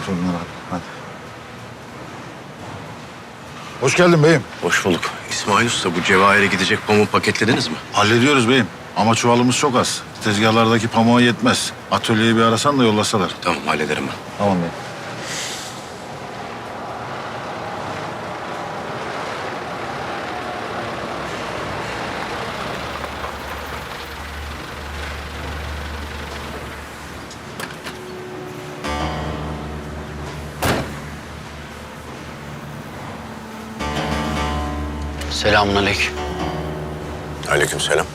Torunlar abi. Hadi. Hoş geldin beyim. Hoş bulduk. İsmail Usta, bu Cevahir'e gidecek pamuğu paketlediniz mi? Hallediyoruz beyim. Ama çuvalımız çok az. Tezgahlardaki pamuğa yetmez. Atölyeyi bir arasan da yollasalar. Tamam, hallederim ben. Tamam beyim. Selamünaleyküm. Aleykümselam.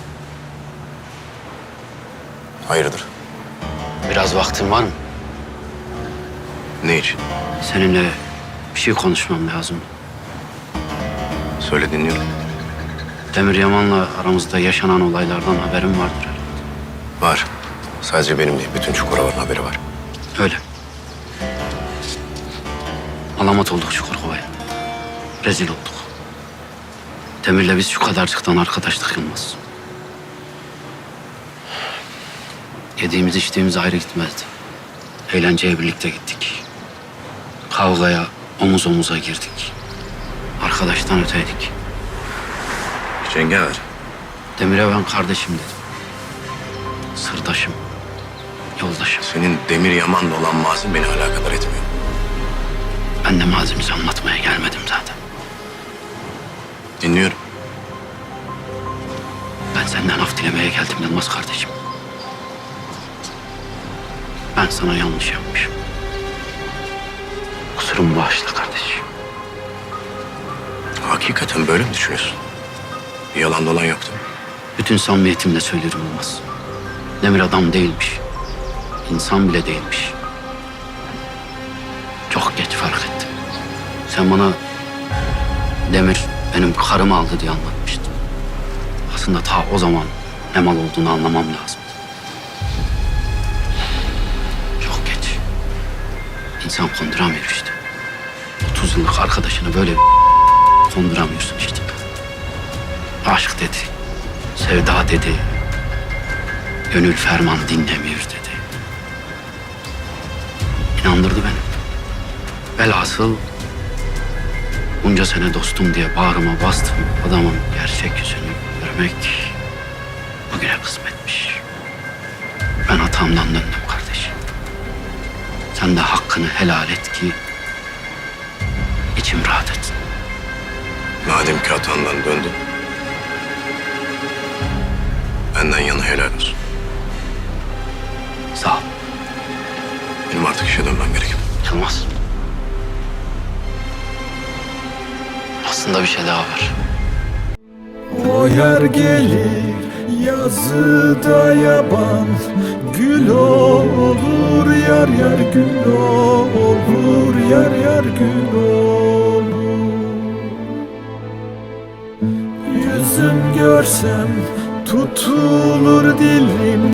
Hayırdır? Biraz vaktin var mı? Ne için? Seninle bir şey konuşmam lazım. Söyle, dinliyorum. Demir Yaman'la aramızda yaşanan olaylardan haberin vardır herhalde. Var. Sadece benim değil, bütün Çukurova'nın haberi var. Öyle. Alamat olduk Çukurova'ya. Rezil olduk. Demir'le biz şu kadarcıktan arkadaşlık yılmaz. Yediğimiz içtiğimiz ayrı gitmezdi. Eğlenceye birlikte gittik. Kavgaya omuz omuza girdik. Arkadaştan öteydik. Cengaver. Demir'e ben kardeşim dedim. Sırdaşım, yoldaşım. Senin Demir Yaman'la olan mazin beni alakadar etmiyor. Ben de mazimizi anlatmaya gelmedim zaten. Dinliyorum. Ben senden af dilemeye geldim Yılmaz kardeşim. Ben sana yanlış yapmışım. Kusurumu bağışla kardeşim. Hakikaten böyle mi düşünüyorsun? Bir yalan dolan yoktu. Bütün samimiyetimle söylüyorum Yılmaz. Demir adam değilmiş. İnsan bile değilmiş. Çok geç fark ettim. Sen bana Demir benim karımı aldı diye anlatmıştın. Aslında ta o zaman ne mal olduğunu anlamam lazım. Çok geç. İnsan konduramıyor işte. 30 yıllık arkadaşını böyle konduramıyorsun işte. Aşk dedi, sevda dedi, gönül ferman dinlemiyor dedi. İnandırdı beni. Velhasıl bunca sene dostum diye bağrıma bastım. Adamın gerçek yüzünü görmek bugüne kısmetmiş. Ben hatamdan döndüm kardeşim. Sen de hakkını helal et ki içim rahat etsin. Madem ki hatandan döndün, benden yana helal olsun. Sağ ol. Benim artık işe dönmem gerek. Yılmaz. Aslında bir şey daha var. O yer gelir yazıda yaban, gül olur yar yar gül olur yar yar gül olur. Yüzüm görsem tutulur dilim.